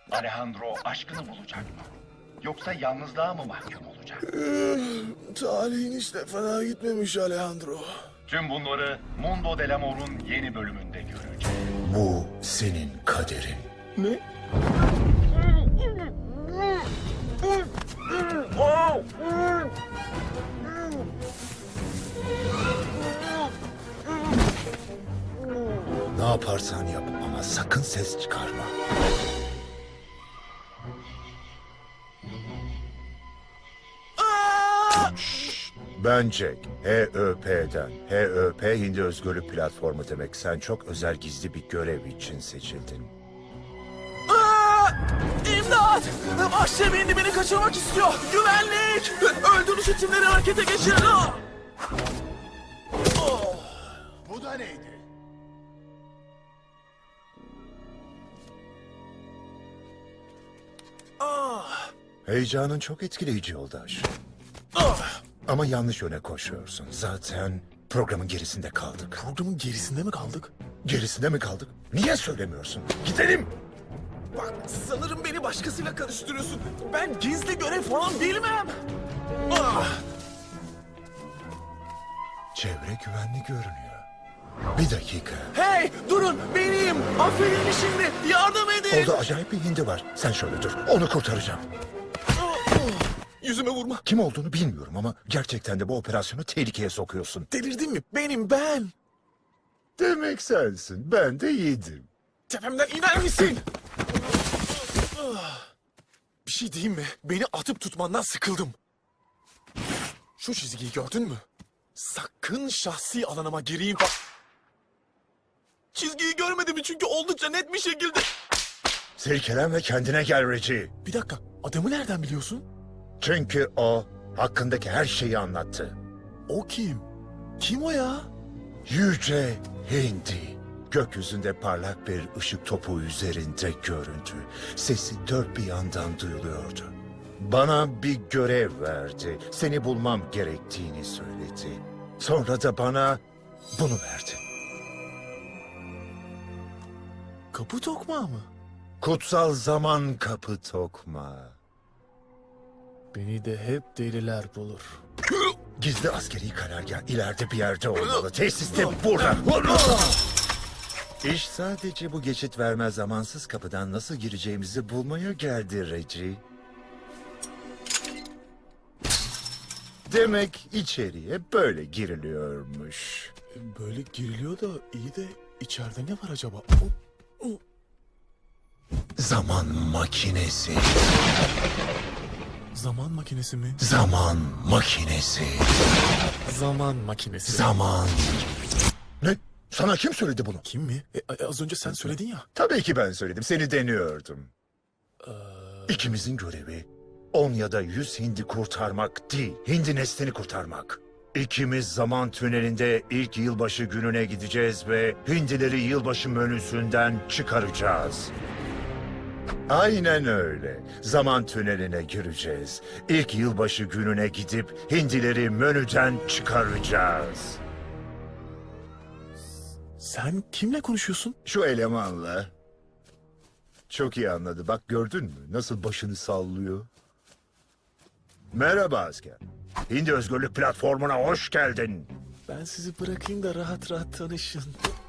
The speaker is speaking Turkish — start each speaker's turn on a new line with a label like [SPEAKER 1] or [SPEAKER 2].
[SPEAKER 1] Alejandro aşkını bulacak mı? Yoksa yalnızlığa mı mahkum olacak?
[SPEAKER 2] Tarihin hiç de fena gitmemiş Alejandro.
[SPEAKER 1] Tüm bunları Mundo del Amor'un yeni bölümünde göreceğiz.
[SPEAKER 3] Bu senin kaderin.
[SPEAKER 2] Ne?
[SPEAKER 3] Ne yaparsan yap ama sakın ses çıkarma. Ben Jack, HÖP'den. HÖP Hindi Özgürlük Platformu demek. Sen çok özel gizli bir görev için seçildin.
[SPEAKER 2] İmdat! Vahşi bir indi beni kaçırmak istiyor. Güvenlik! Öldürüş timleri harekete geçirin.
[SPEAKER 3] Bu da neydi? Heyecanın çok etkileyici yoldaş. Ama yanlış yöne koşuyorsun. Zaten programın gerisinde kaldık.
[SPEAKER 2] Programın gerisinde mi kaldık?
[SPEAKER 3] Gerisinde mi kaldık? Niye söylemiyorsun? Gidelim.
[SPEAKER 2] Bak sanırım beni başkasıyla karıştırıyorsun. Ben gizli görev falan bilmem.
[SPEAKER 3] Çevre güvenli görünüyor. Bir dakika.
[SPEAKER 2] Hey durun benim. Affedin beni şimdi. Yardım edin.
[SPEAKER 3] Orada acayip bir hindi var. Sen şöyle dur. Onu kurtaracağım.
[SPEAKER 2] Yüzüme vurma.
[SPEAKER 3] Kim olduğunu bilmiyorum ama gerçekten de bu operasyonu tehlikeye sokuyorsun.
[SPEAKER 2] Delirdin mi? Benim ben.
[SPEAKER 3] Demek sensin. Ben de yedim.
[SPEAKER 2] Tepemden iner misin? Bir şey diyeyim mi? Beni atıp tutmandan sıkıldım. Şu çizgiyi gördün mü? Sakın şahsi alanıma gireyim. Çizgiyi görmedim çünkü oldukça net bir şekilde...
[SPEAKER 3] Silkelen ve kendine gel Reggie.
[SPEAKER 2] Bir dakika, adamı nereden biliyorsun?
[SPEAKER 3] Çünkü o hakkındaki her şeyi anlattı.
[SPEAKER 2] O kim? Kim o ya?
[SPEAKER 3] Yüce Hindi. Gökyüzünde parlak bir ışık topu üzerinde göründü. Sesi dört bir yandan duyuluyordu. Bana bir görev verdi. Seni bulmam gerektiğini söyledi. Sonra da bana bunu verdi.
[SPEAKER 2] Kapı tokmağı mı?
[SPEAKER 3] Kutsal zaman kapı tokma.
[SPEAKER 2] Beni de hep deliler bulur.
[SPEAKER 3] Gizli askeri karargah ileride bir yerde olmalı. Tesis de burada. İş sadece bu geçit vermez zamansız kapıdan nasıl gireceğimizi bulmaya geldi Reggie. Demek içeriye böyle giriliyormuş.
[SPEAKER 2] Böyle giriliyor da iyi de içeride ne var acaba?
[SPEAKER 3] Zaman makinesi.
[SPEAKER 2] Zaman makinesi mi?
[SPEAKER 3] Zaman makinesi.
[SPEAKER 2] Zaman makinesi.
[SPEAKER 3] Zaman. Ne? Sana kim söyledi bunu?
[SPEAKER 2] Kim mi? Az önce sen söyledin ya.
[SPEAKER 3] Tabii ki ben söyledim. Seni deniyordum. İkimizin görevi 10 ya da 100 hindi kurtarmak değil, hindi neslini kurtarmak. İkimiz zaman tünelinde ilk yılbaşı gününe gideceğiz ve hindileri yılbaşı menüsünden çıkaracağız. Aynen öyle. Zaman tüneline gireceğiz. İlk yılbaşı gününe gidip hindileri menüden çıkaracağız.
[SPEAKER 2] Sen kimle konuşuyorsun?
[SPEAKER 3] Şu elemanla. Çok iyi anladı. Bak gördün mü? Nasıl başını sallıyor. Merhaba asker. Hindi Özgürlük Platformu'na hoş geldin.
[SPEAKER 2] Ben sizi bırakayım da rahat rahat tanışın.